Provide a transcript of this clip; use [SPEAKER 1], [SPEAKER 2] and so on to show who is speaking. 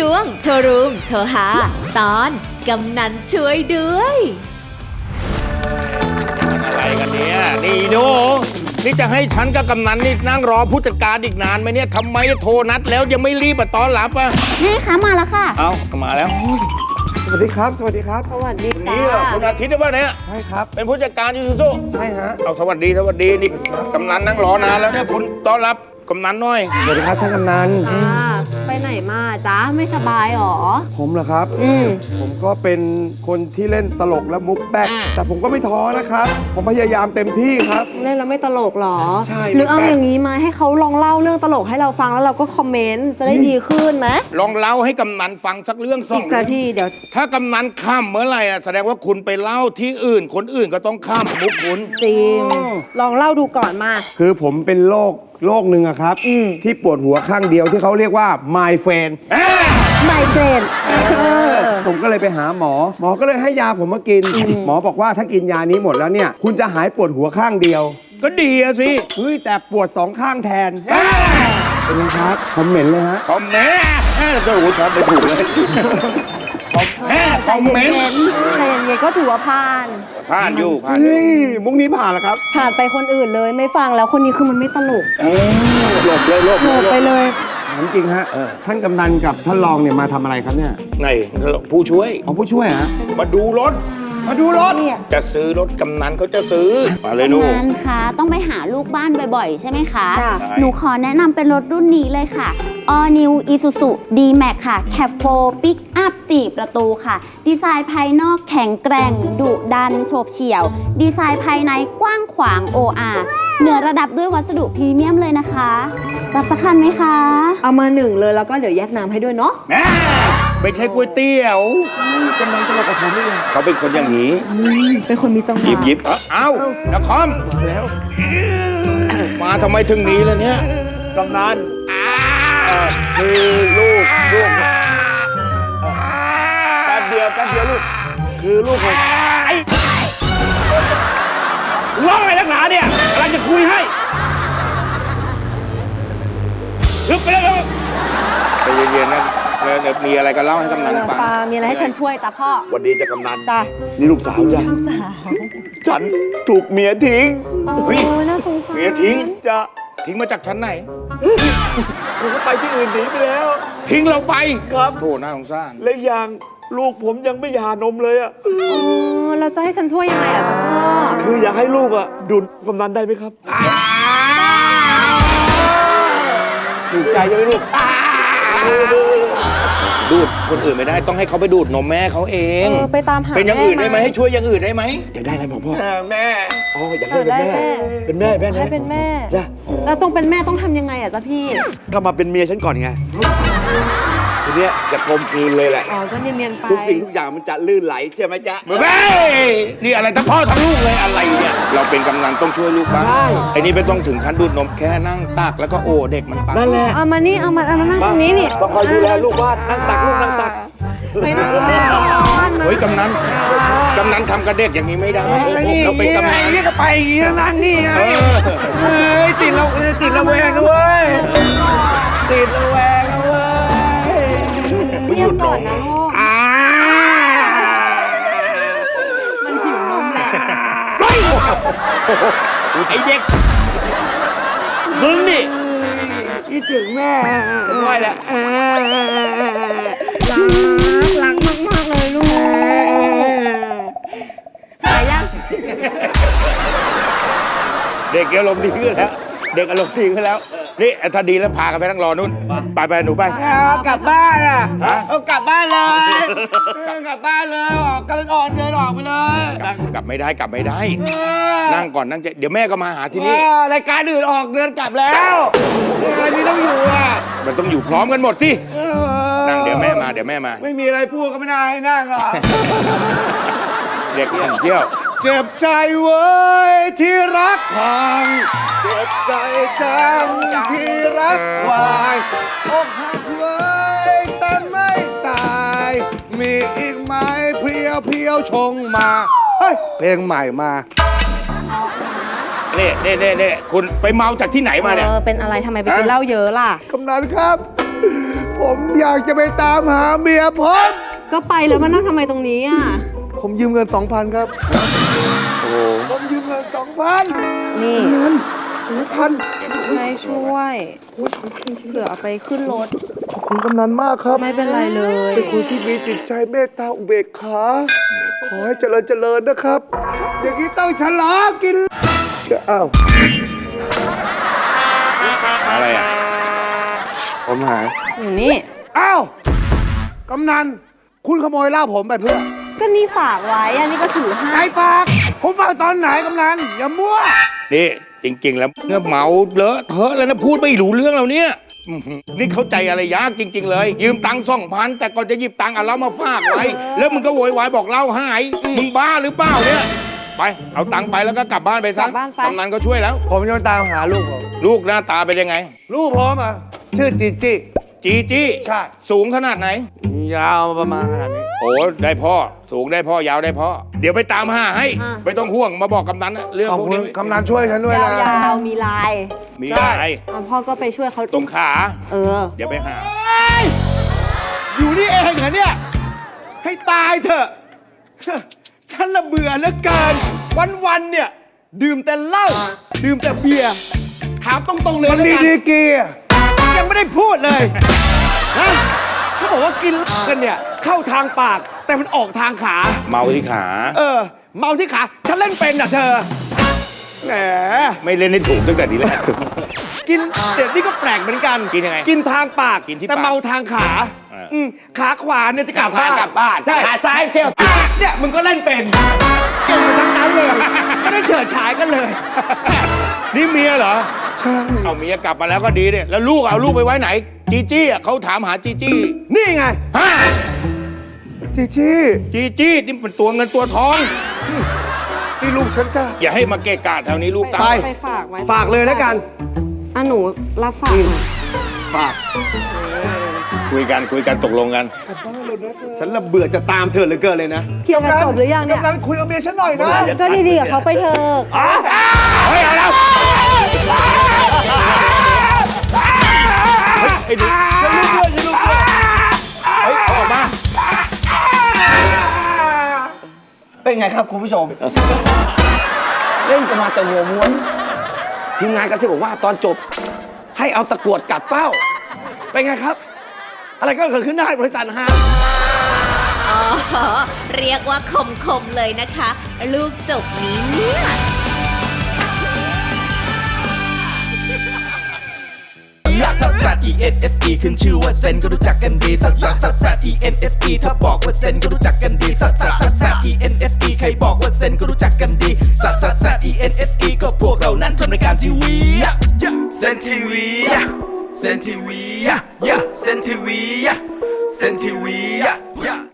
[SPEAKER 1] ช่วงโชว์รูมโชว์หาตอนกำนันช่วยด้วย
[SPEAKER 2] อะไรกันเนี่ยนี่โนนี่จะให้ฉันกับกำนันนี่นั่งรอผู้จัดการอีกนานไหมเนี่ยทำไมโทรนัดแล้วยังไม่รีบมาต้อนรับอ่ะ
[SPEAKER 3] นี่คะมาแล้วค่ะ
[SPEAKER 2] เอามาแล้ว
[SPEAKER 4] สวัสดีครับสวัสดีครับ
[SPEAKER 3] สวัสดีจ้า
[SPEAKER 2] นี่เหรอคุณอาทิตย์หรือเปล่าเนี่ย
[SPEAKER 4] ใช่ครับ
[SPEAKER 2] เป็นผู้จัดการยูซูซู
[SPEAKER 4] ใช่ฮะ
[SPEAKER 2] เอาสวัสดีนี่กำนันนั่งรอนานแล้วเนี่ยคุณต้อนรับกำนันหน่อย
[SPEAKER 4] สวัสดีครับท่านกำนัน
[SPEAKER 3] ไปไหนมาจ้าไม่สบายหรอ
[SPEAKER 4] ผมเหรอครับผมก็เป็นคนที่เล่นตลกและมุกแป๊กแต่ผมก็ไม่ท้อนะครับผมพยายามเต็มที่ครับ
[SPEAKER 3] เล่นแล้วไม่ตลกหรอ
[SPEAKER 4] ใช่
[SPEAKER 3] หรือเอาอย่างนี้มาให้เขาลองเล่าเรื่องตลกให้เราฟังแล้วเราก็คอมเมนต์จะได้ดีขึ้นไหม
[SPEAKER 2] ลองเล่าให้กำนันฟังสักเรื่องสอง
[SPEAKER 3] สักทีเดี๋ยว
[SPEAKER 2] ถ้ากำนันข้ามเมื่อไหร่แสดงว่าคุณไปเล่าที่อื่นคนอื่นก็ต้องข้ามมุกคุณ
[SPEAKER 3] จริงลองเล่าดูก่อนมา
[SPEAKER 4] คือผมเป็นโรคหนึ่งอะครับที่ปวดหัวข้างเดียวที่เขาเรียกว่า my friend ผมก็เลยไปหาหมอก็เลยให้ยาผมมากินหมอบอกว่าถ้ากินยานี้หมดแล้วเนี่ยคุณจะหายปวดหัวข้างเดียว
[SPEAKER 2] ก็ดีอะสิ
[SPEAKER 4] เฮ้ยแต่ปวด2ข้างแทนเป็นไงครับคอมเมนต์เลยฮะ
[SPEAKER 2] คอมเมนต์ก็โอ้โหช็อตไปถูกเลยคอมเมนต์
[SPEAKER 3] ใครอย่างเงี้ยก็ถือว่าผ่าน
[SPEAKER 2] อยู่
[SPEAKER 4] มุกนี้ผ่านแล้วครับ
[SPEAKER 3] ผ่านไปคนอื่นเลยไม่ฟังแล้วคนนี้คือมันไม่ตลก
[SPEAKER 2] หลบ
[SPEAKER 3] ไปเลย
[SPEAKER 4] ถามจริงฮะท่านกำนันกับท่านรองเนี่ยมาทำอะไรครับเนี่ย
[SPEAKER 2] ไงผู้ช่วย
[SPEAKER 4] ผู้ช่วยฮะ
[SPEAKER 2] มาดูรถจะซื้อรถกำนันเขาจะซื้อมาเลยลูก
[SPEAKER 3] กำนันคะต้องไปหาลูกบ้านบ่อยๆใช่ไหมคะหนูขอแนะนำเป็นรถรุ่นนี้เลยค่ะ All New Isuzu D-Max ค่ะ Cab 4 Pick Up 4 ประตูค่ะดีไซน์ภายนอกแข็งแกร่งดุดันโฉบเฉี่ยวดีไซน์ภายในกว้างขวาง OR เหนือระดับด้วยวัสดุพรีเมียมเลยนะคะรับสักคันไหมคะเอามา1เลยแล้วก็เดี๋ยวแยกน้ำให้ด้วยเนาะ
[SPEAKER 2] ไม่ใช่ก๋วยเตี๋ยว
[SPEAKER 4] กำลังจะมากับผมนี่
[SPEAKER 2] เขาเป็นคนอย่างนี้
[SPEAKER 3] เป็นคนมีจังหวะ
[SPEAKER 2] หยิบเอ้านักคอม
[SPEAKER 4] มาแล้ว
[SPEAKER 2] มาทำไมถึงนี้ล่ะเนี่ย
[SPEAKER 4] กำนันคือลูกแป๊บเดียวลูกคือลูกผม
[SPEAKER 2] ร้องอะไรนักหนาเนี่ยกำลังจะคุยให้ลึกไปแล้วใจเย็นๆนะมีอะไรก็เล่าให้กำนันฟัง
[SPEAKER 3] มีอะไรให้ฉันช่วยจ้ะพ่อ
[SPEAKER 4] วันดีจะกำนัน
[SPEAKER 3] จ้ะ
[SPEAKER 4] นี่ลูกสาวจ้ะ
[SPEAKER 3] ลูกสาว
[SPEAKER 4] ฉันถูกเมียทิ้ง
[SPEAKER 3] น่าสงสาร
[SPEAKER 2] เมียทิ้ง
[SPEAKER 4] จะ
[SPEAKER 2] ทิ้งมาจากชั้นไหน
[SPEAKER 4] ผมก็ไปที่อื่นหนีไปแล้ว
[SPEAKER 2] ทิ้งเราไป
[SPEAKER 4] ครับ
[SPEAKER 2] โธ่น่าสงสาร
[SPEAKER 4] และอย่างลูกผมยังไม่หย่านมเลย
[SPEAKER 3] เราจะให้ฉันช่วยยังไงจ๊ะพ่อ
[SPEAKER 4] คืออยากให้ลูกดูดกำนันได้ไหมครับถูกใจใช่ไหมลูก
[SPEAKER 2] ดูดคนอื่นไม่ได้ต้องให้เขาไปดูดนมแม่เขาเอง
[SPEAKER 3] ไปตามหา
[SPEAKER 2] เป็นอย่างอื่นได้ไหมให้ช่วยอย่างอื่นได้ไหม
[SPEAKER 4] อยากได้อะไรพ่อ
[SPEAKER 2] แม่
[SPEAKER 4] อยากได้เป็นแม่
[SPEAKER 3] ให้เป็นแม่แล้วต้องเป็นแม่ต้องทำยังไงจ๊ะพี่
[SPEAKER 4] ก็มาเป็นเมียฉันก่อนไงทีเนี้ยจะกลมกลืนเลยแหละ
[SPEAKER 3] ก็เนียนๆไป
[SPEAKER 4] ทุกสิ่งทุกอย่างมันจะลื่นไหลใช่ไหมจ๊ะ
[SPEAKER 2] แม่นี่อะไรทั้งพ่อทั้งลูกเลยอะไรเนี่ยเราเป็นกำนันต้องช่วยลูกบ้างไอ้นี่ไม่ต้องถึงขั้นดูดนมแค่นั่งตักแล้วก็โอ้เด็กมันปัง
[SPEAKER 4] นั่นแหละ
[SPEAKER 3] เอามานี่เอามานั่งตรงนี้นี่
[SPEAKER 4] ต้องคอยดูแลลูกบ้านนั่งตักลูกนั่งตัก
[SPEAKER 3] ไปนั่ง
[SPEAKER 2] เฮ้ยกำนันทำกับเด็กอย่างนี้ไม่ได้เราเป็นกำนัน
[SPEAKER 4] นี่ก็ไปนั่งนี่ไงติดระแวงด้วยติดระแวงด้วย
[SPEAKER 3] เงียบก่อนนะลูกมันหิวนมแหละ
[SPEAKER 2] ไอ้เด็กมึงนี่
[SPEAKER 4] คิดถึงแม่
[SPEAKER 2] ไม่แหละ
[SPEAKER 3] รักมากเลยลูกไปยัง
[SPEAKER 2] เด็กอารมณ์ดีขึ้นแล้วนี่ถ้าดีแล้วพากันไปนั่งรอนู่นไปหนูไป
[SPEAKER 4] กลับบ้านกลับบ้านเลยกลับบ้านเลยออกกันอ่อนเดินออกไปเลย
[SPEAKER 2] กลับไม่ได้นั่งก่อนนั่งเดี๋ยวแม่ก็มาหาที่นี่
[SPEAKER 4] รายการอื่นออกเดินกลับแล้วอันนี้ต้องอยู่
[SPEAKER 2] มันต้องอยู่พร้อมกันหมดสินั่งเดี๋ยวแม่มา
[SPEAKER 4] ไม่มีอะไรพูดก็ไม่ได้นั่งหรอก
[SPEAKER 2] เด็กเที่ยว
[SPEAKER 4] เจ็บใจเว้ยที่รักพังเจ็บใจจังที่รักวายอกหักเว้ยแต่ไม่ตายมีอีกไหมเพียวชงมาเพลงใหม่มา
[SPEAKER 2] นี่คุณไปเมาจากที่ไหนมาเนี่ย
[SPEAKER 3] เป็นอะไรทำไมไปกินเหล้าเยอะล่ะ
[SPEAKER 4] กำนันครับผมอยากจะไปตามหาเมียผม
[SPEAKER 5] ก็ไปแล้วมานั่งทำไมตรงนี้อ่ะ
[SPEAKER 4] ผมยืมเงิน 2,000 ครับ ผมยืมเงิน 2,000
[SPEAKER 5] นี่
[SPEAKER 4] เงิน 2,000
[SPEAKER 5] ให้ช่วย
[SPEAKER 4] โอ้ย2,000
[SPEAKER 5] เผื่อเอาไปขึ้นรถ
[SPEAKER 4] ขอบคุณกำนันมากครับ
[SPEAKER 5] ไม่เป็นไรเลย
[SPEAKER 4] เป็นคนที่มีจิตใจเมตตาอุเบกขา ขอให้เจริญเจริญนะครับ อย่างนี้ต้องฉลองกินจะอ้าว
[SPEAKER 2] อะไรอ่ะ
[SPEAKER 4] ผมหาย
[SPEAKER 5] อยู่นี่
[SPEAKER 4] อ้าว กำนัน คุณขโมยเหล้าผมไปเพื่อ
[SPEAKER 5] ก็นี่ฝากไว้อันนี้ก็ถือให้
[SPEAKER 4] ใครฝาก ผมฝากตอนไหนกำนัน อย่ามั่ว
[SPEAKER 2] นี่จริง ๆ แล้วเนี่ยเมาเลอะเทอะแล้วนะพูดไม่รู้เรื่องแล้วเนี่ยอื้อหือนี่เข้าใจอะไรยากจริง ๆ เลย ยืมตังค์2,000แต่ก่อนจะหยิบตังค์เอาเหล้ามาฝากไว้แล้วมึงก็โวยวายบอกเหล้าหายมึงบ้าหรือเปล่าเนี่ยไปเอาตังค์ไปแล้วก็กลับบ้านไปซะ
[SPEAKER 5] กลับบ้านไป
[SPEAKER 2] กำนันก็ช่วยแล้ว
[SPEAKER 4] ผมจะตามหาลูกผม
[SPEAKER 2] ลูกหน้าตาเป็นยังไง
[SPEAKER 4] ลูกผมอ่ะ ชื่อจีจี้
[SPEAKER 2] จีจี้
[SPEAKER 4] ใช่
[SPEAKER 2] สูงขนาดไหน
[SPEAKER 4] ยาวประมาณขนาดนี้
[SPEAKER 2] โอ้ได้พ่อสูงได้พ่อยาวได้พ่อเดี๋ยวไปตามหาให้ไม่ต้องห่วงมาบอกกำนันนะเรื่อง
[SPEAKER 4] ขอบ
[SPEAKER 2] พวก
[SPEAKER 4] คุณ
[SPEAKER 2] นี้
[SPEAKER 4] กำนันช่วยฉันด้วยนะ
[SPEAKER 5] ยาวๆมีลาย
[SPEAKER 2] มีอะไร
[SPEAKER 5] พ่อก็ไปช่วยเขา
[SPEAKER 2] ตรงขา
[SPEAKER 5] เออ
[SPEAKER 2] เดี๋ยวไปหา
[SPEAKER 4] อยู่นี่เองเหรอเนี่ย ให้ตายเถอะ ฉันละเบื่อเหลือเกิน วันๆเนี่ย ดื่มแต่เหล้าดื่มแต่เบียร์ถามตรงๆเลยแล้วกันดีกียังไม่ได้พูดเลยนะเขาบอกว่ากินกันเนี่ย เข้าทางปาก แต่มันออกทางขา
[SPEAKER 2] เมาที่ขา
[SPEAKER 4] เมาที่ขา ฉันเล่นเป็นอ่ะเธอ แหม
[SPEAKER 2] ไม่เล่นให้ถูกตั้งแต่ทีแรก
[SPEAKER 4] กินเด็ดนี่ก็แปลกเหมือนกัน
[SPEAKER 2] กินยังไง
[SPEAKER 4] กินทางปาก
[SPEAKER 2] กินที่
[SPEAKER 4] แต่
[SPEAKER 2] ปาก
[SPEAKER 4] เมาทางขา ขาขวาเนี่ยจะกลับบ้าน
[SPEAKER 2] กลับบ้าน
[SPEAKER 4] ใช่
[SPEAKER 2] ขาซ้ายเที่ยว
[SPEAKER 4] เนี่ยมึงก็เล่นเป็นเก่งกันทั้งนั้นเลยไม่ได้เฉิดฉายกันเลย
[SPEAKER 2] นี่เมียเหรอ
[SPEAKER 4] ใช่
[SPEAKER 2] เอาเมียกลับมาแล้วก็ดีเนี่ยแล้วลูกเอาลูกไปไว้ไหน จีจี้อ่ะเขาถามหาจีจี้
[SPEAKER 4] นี่ไง
[SPEAKER 2] ฮะ
[SPEAKER 4] จีจี้
[SPEAKER 2] จีจี้นี่เป็นตัวเงินตัวทอง
[SPEAKER 4] นี่ลูกฉันจ้า
[SPEAKER 2] อย่าให้มาเกะกะแถวนี้ลูกตา
[SPEAKER 4] ไป
[SPEAKER 2] ย
[SPEAKER 5] ไปฝากไว้
[SPEAKER 4] ฝากเลยแล้วกัน
[SPEAKER 5] อ่ะหนูรับฝากหน่อย
[SPEAKER 4] ฝาก
[SPEAKER 2] คุยกันตกลงกัน
[SPEAKER 4] ฉันละเบื่อจะตามเธอเหลือเกินเลยนะ
[SPEAKER 5] เคลียร์กันจบหรือยังเนี่ย
[SPEAKER 4] กำลังคุยกับเมียฉันหน่อยนะ
[SPEAKER 5] ก็ดีๆกับเขาไปเถอะ
[SPEAKER 2] เฮ้ยเอาแล้วไอ้ดิฉันลูกด้วยเฮ้ยเอาออกมา
[SPEAKER 6] เป็นไงครับคุณผู้ชม เล่นกันมาแต่หัวม้วนทีมงานก็จะบอกว่าตอนจบ ให้เอาตะกรวดกัดเป้า เป็นไงครับ อะไรก็เกิดขึ้นได้บริษัทฮะ
[SPEAKER 1] อ๋อ เรียกว่าคมๆเลยนะคะ ลูกจบนี้เนี่ย
[SPEAKER 7] ซัสซัส E N S E ขึ้นชื่อว่าเซนก็รู้จักกันดีซัสซัสซัสซัส E N S E ถ้าบอกว่าเซนก็รู้จักกันดีซัสซัสซัสซัส E N S E ใครบอกว่าเซนก็รู้จักกันดีซัสซัสซัส E N S E ก็พวกเรานั้นทำรายการทีวีเซนทีวีเซนทีวีเซนทีวีเซนทีวี